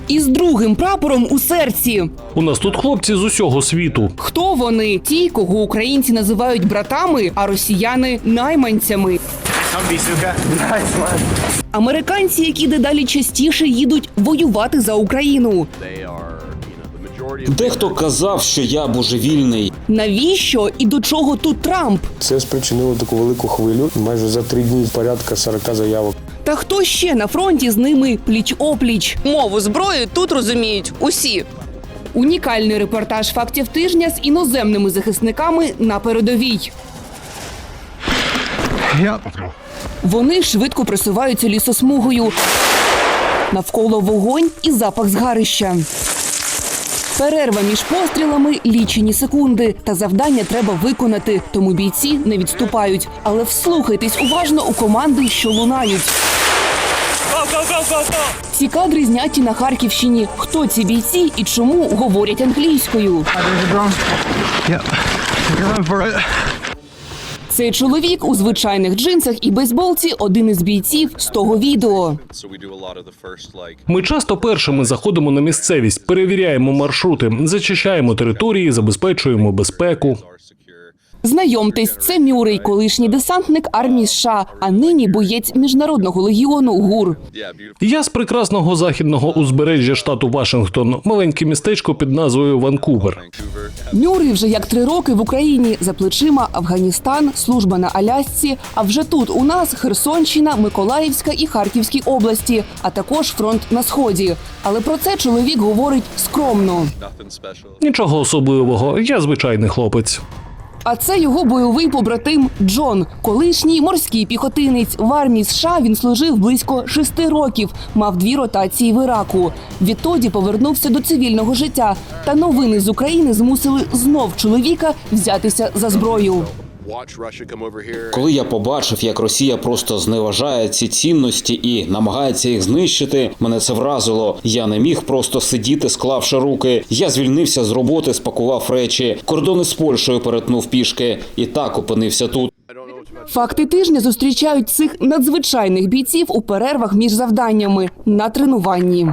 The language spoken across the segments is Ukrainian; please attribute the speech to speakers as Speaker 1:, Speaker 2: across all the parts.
Speaker 1: із другим прапором у серці.
Speaker 2: У нас тут хлопці з усього світу.
Speaker 1: Хто вони? Ті, кого українці називають братами, а росіяни – найманцями. Американці, які дедалі частіше їдуть воювати за Україну.
Speaker 3: Дехто казав, що я божевільний.
Speaker 1: Навіщо і до чого тут Трамп?
Speaker 4: Це спричинило таку велику хвилю. Майже за 3 дні порядка 40 заявок.
Speaker 1: Та хто ще на фронті з ними пліч-опліч? Мову зброї тут розуміють усі. Унікальний репортаж «Фактів тижня» з іноземними захисниками на передовій. Вони швидко просуваються лісосмугою. Навколо вогонь і запах згарища. Перерва між пострілами – лічені секунди. Та завдання треба виконати, тому бійці не відступають. Але вслухайтесь уважно у команди, що лунають. Ці кадри зняті на Харківщині. Хто ці бійці і чому говорять англійською? Цей чоловік у звичайних джинсах і бейсболці – один із бійців з того відео.
Speaker 2: Ми часто першими заходимо на місцевість, перевіряємо маршрути, зачищаємо території, забезпечуємо безпеку.
Speaker 1: Знайомтесь, це Мюррей, колишній десантник армії США, а нині боєць Міжнародного легіону ГУР.
Speaker 2: Я з прекрасного західного узбережжя штату Вашингтон, маленьке містечко під назвою Ванкувер.
Speaker 1: Мюррей вже як 3 роки в Україні, за плечима Афганістан, служба на Алясці, а вже тут у нас Херсонщина, Миколаївська і Харківські області, а також фронт на Сході. Але про це чоловік говорить скромно.
Speaker 2: Нічого особливого, я звичайний хлопець.
Speaker 1: А це його бойовий побратим Джон, колишній морський піхотинець. В армії США він служив близько 6 років, мав 2 ротації в Іраку. Відтоді повернувся до цивільного життя. Та новини з України змусили знов чоловіка взятися за зброю.
Speaker 3: Коли я побачив, як Росія просто зневажає ці цінності і намагається їх знищити, мене це вразило. Я не міг просто сидіти, склавши руки. Я звільнився з роботи, спакував речі, кордони з Польщею перетнув пішки і так опинився тут.
Speaker 1: Факти тижня зустрічають цих надзвичайних бійців у перервах між завданнями на тренуванні.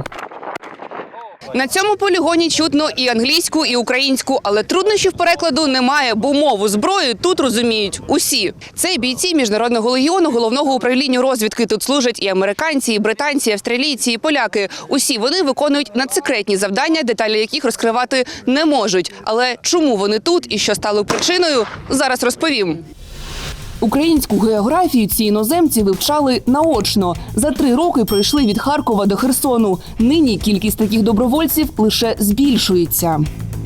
Speaker 1: На цьому полігоні чутно і англійську, і українську, але труднощів перекладу немає, бо мову зброї тут розуміють усі. Це бійці Міжнародного легіону Головного управління розвідки. Тут служать і американці, і британці, і австралійці, і поляки. Усі вони виконують надсекретні завдання, деталі яких розкривати не можуть. Але чому вони тут і що стало причиною, зараз розповім. Українську географію ці іноземці вивчали наочно. За 3 роки пройшли від Харкова до Херсону. Нині кількість таких добровольців лише збільшується.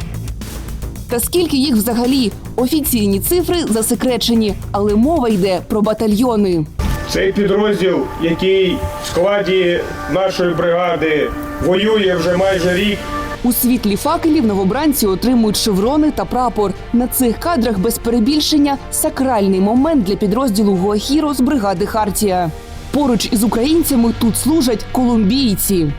Speaker 1: Та скільки їх взагалі? Офіційні цифри засекречені, але мова йде про батальйони.
Speaker 5: Цей підрозділ, який в складі нашої бригади воює вже майже рік.
Speaker 1: У світлі факелів новобранці отримують шеврони та прапор. На цих кадрах без перебільшення сакральний момент для підрозділу Гуахіро з бригади Хартія. Поруч із українцями тут служать колумбійці.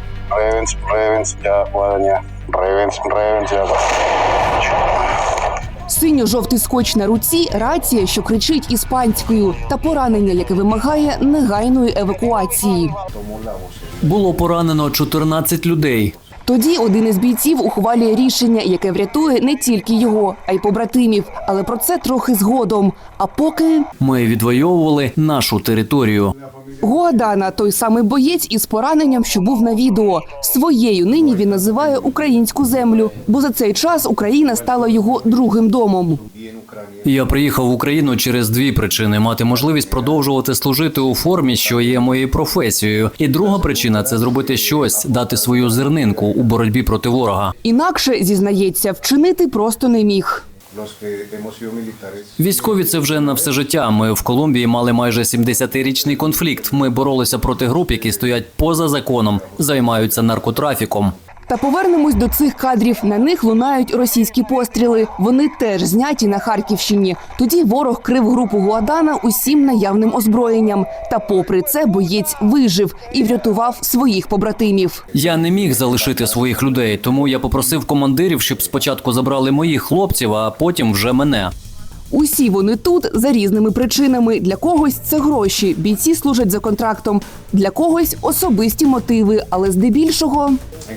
Speaker 1: Синьо-жовтий скотч на руці – рація, що кричить іспанською, та поранення, яке вимагає негайної евакуації.
Speaker 6: Було поранено 14 людей.
Speaker 1: Тоді один із бійців ухвалює рішення, яке врятує не тільки його, а й побратимів. Але про це трохи згодом. А поки…
Speaker 6: Ми відвоювали нашу територію.
Speaker 1: Гуадана – той самий боєць із пораненням, що був на відео. Своєю нині він називає українську землю, бо за цей час Україна стала його другим домом.
Speaker 6: Я приїхав в Україну через 2 причини – мати можливість продовжувати служити у формі, що є моєю професією. І друга причина – це зробити щось, дати свою зернинку у боротьбі проти ворога.
Speaker 1: Інакше, зізнається, вчинити просто не міг.
Speaker 6: Військові – це вже на все життя. Ми в Колумбії мали майже 70-річний конфлікт. Ми боролися проти груп, які стоять поза законом, займаються наркотрафіком.
Speaker 1: Та повернемось до цих кадрів. На них лунають російські постріли. Вони теж зняті на Харківщині. Тоді ворог крив групу Гуадана усім наявним озброєнням. Та попри це боєць вижив і врятував своїх побратимів.
Speaker 6: Я не міг залишити своїх людей, тому я попросив командирів, щоб спочатку забрали моїх хлопців, а потім вже мене.
Speaker 1: Усі вони тут за різними причинами. Для когось це гроші, бійці служать за контрактом. Для когось особисті мотиви, але здебільшого...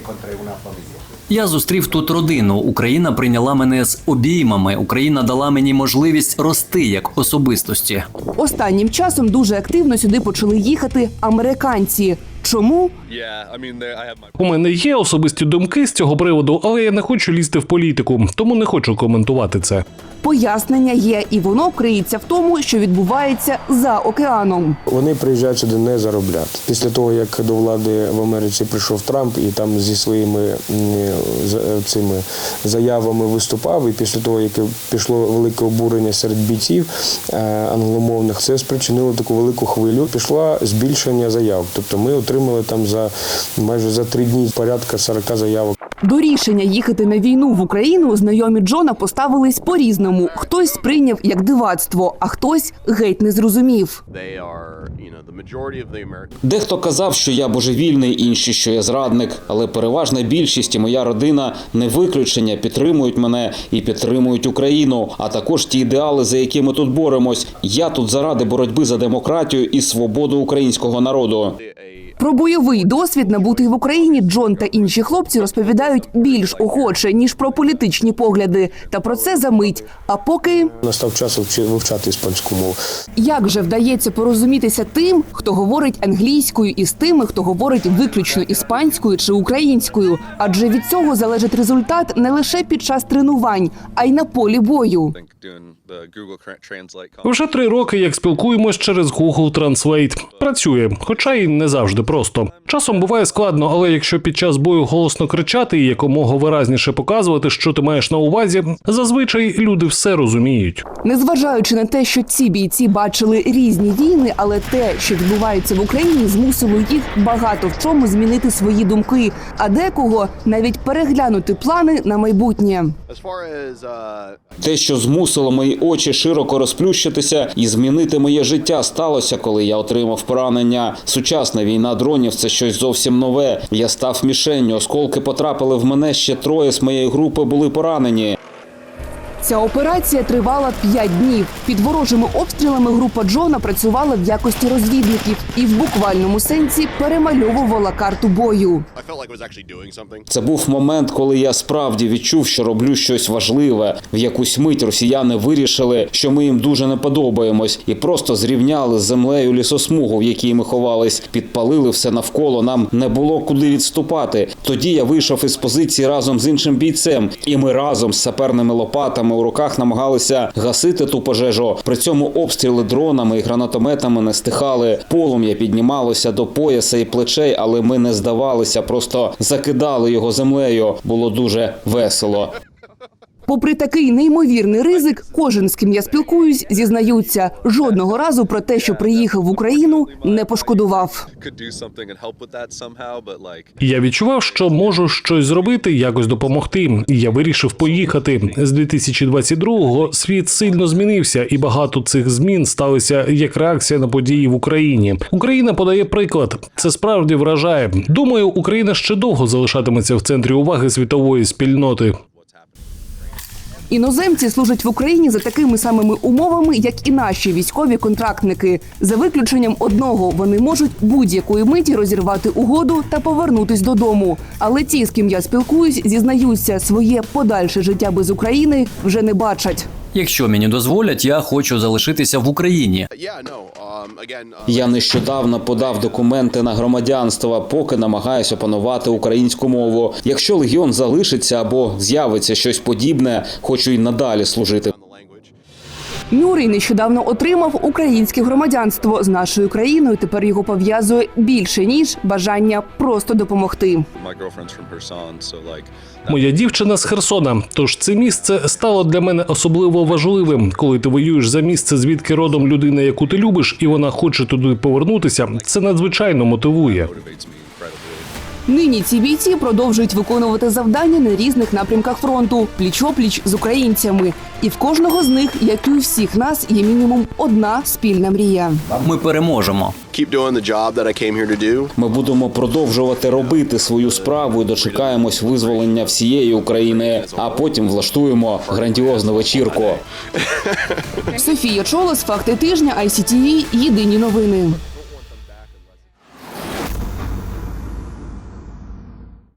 Speaker 6: Я зустрів тут родину. Україна прийняла мене з обіймами. Україна дала мені можливість рости як особистості.
Speaker 1: Останнім часом дуже активно сюди почали їхати американці. Чому?
Speaker 2: У мене є особисті думки з цього приводу, але я не хочу лізти в політику, тому не хочу коментувати це.
Speaker 1: Пояснення є, і воно криється в тому, що відбувається за океаном.
Speaker 4: Вони приїжджають сюди не заробляти. Після того, як до влади в Америці прийшов Трамп і там зі своїми цими заявами виступав, і після того, як пішло велике обурення серед бійців англомовних, це спричинило таку велику хвилю. Пішло збільшення заяв. Тобто ми отримали там майже за 3 дні порядка 40 заявок.
Speaker 1: До рішення їхати на війну в Україну знайомі Джона поставились по-різному. Хтось сприйняв як дивацтво, а хтось геть не зрозумів.
Speaker 3: Дехто казав, що я божевільний, інші, що я зрадник, але переважна більшість і моя родина не виключення, підтримують мене і підтримують Україну, а також ті ідеали, за які ми тут боремось. Я тут заради боротьби за демократію і свободу українського народу.
Speaker 1: Про бойовий досвід, набутий в Україні, Джон та інші хлопці розповідають більш охоче, ніж про політичні погляди. Та про це за мить. А поки...
Speaker 4: Настав час вивчати іспанську мову.
Speaker 1: Як же вдається порозумітися тим, хто говорить англійською, і з тими, хто говорить виключно іспанською чи українською? Адже від цього залежить результат не лише під час тренувань, а й на полі бою.
Speaker 2: Вже 3 роки, як спілкуємось через Google Translate. Працює, хоча й не завжди просто. Часом буває складно, але якщо під час бою голосно кричати і якомога виразніше показувати, що ти маєш на увазі, зазвичай люди все розуміють.
Speaker 1: Незважаючи на те, що ці бійці бачили різні війни, але те, що відбувається в Україні, змусило їх багато в чому змінити свої думки, а декого навіть переглянути плани на майбутнє.
Speaker 3: Те, що змусило мої очі широко розплющитися і змінити моє життя, сталося, коли я отримав поранення. Сучасна війна дронів – це щось зовсім нове. Я став мішенню, осколки потрапили в мене, ще 3 з моєї групи були поранені.
Speaker 1: Ця операція тривала 5 днів. Під ворожими обстрілами група Джона працювала в якості розвідників і в буквальному сенсі перемальовувала карту бою.
Speaker 3: Це був момент, коли я справді відчув, що роблю щось важливе. В якусь мить росіяни вирішили, що ми їм дуже не подобаємось, і просто зрівняли з землею лісосмугу, в якій ми ховались, підпалили все навколо, нам не було куди відступати. Тоді я вийшов із позиції разом з іншим бійцем, і ми разом з саперними лопатами у руках намагалися гасити ту пожежу. При цьому обстріли дронами і гранатометами не стихали. Полум'я піднімалося до пояса і плечей, але ми не здавалися, просто закидали його землею. Було дуже весело.
Speaker 1: Попри такий неймовірний ризик, кожен, з ким я спілкуюсь, зізнаються, жодного разу про те, що приїхав в Україну, не пошкодував.
Speaker 2: Я відчував, що можу щось зробити, якось допомогти. І я вирішив поїхати. З 2022-го світ сильно змінився, і багато цих змін сталися як реакція на події в Україні. Україна подає приклад. Це справді вражає. Думаю, Україна ще довго залишатиметься в центрі уваги світової спільноти.
Speaker 1: Іноземці служать в Україні за такими самими умовами, як і наші військові контрактники. За виключенням одного, вони можуть будь-якої миті розірвати угоду та повернутись додому. Але ті, з ким я спілкуюсь, зізнаються, своє подальше життя без України вже не бачать.
Speaker 6: Якщо мені дозволять, я хочу залишитися в Україні.
Speaker 3: Я нещодавно подав документи на громадянство, поки намагаюся опанувати українську мову. Якщо легіон залишиться або з'явиться щось подібне, хочу й надалі служити.
Speaker 1: Нюрій нещодавно отримав українське громадянство з нашою країною. Тепер його пов'язує більше, ніж бажання просто допомогти.
Speaker 2: Моя дівчина з Херсона, тож це місце стало для мене особливо важливим. Коли ти воюєш за місце, звідки родом людина, яку ти любиш, і вона хоче туди повернутися, це надзвичайно мотивує.
Speaker 1: Нині ці бійці продовжують виконувати завдання на різних напрямках фронту, пліч-опліч з українцями. І в кожного з них, як і у всіх нас, є мінімум одна спільна мрія.
Speaker 6: Ми переможемо.
Speaker 7: Keep doing the job that I came here to do.
Speaker 3: Ми будемо продовжувати робити свою справу і дочекаємось визволення всієї України, а потім влаштуємо грандіозну вечірку.
Speaker 1: Софія Чолос, «Факти тижня», ICTV, єдині новини.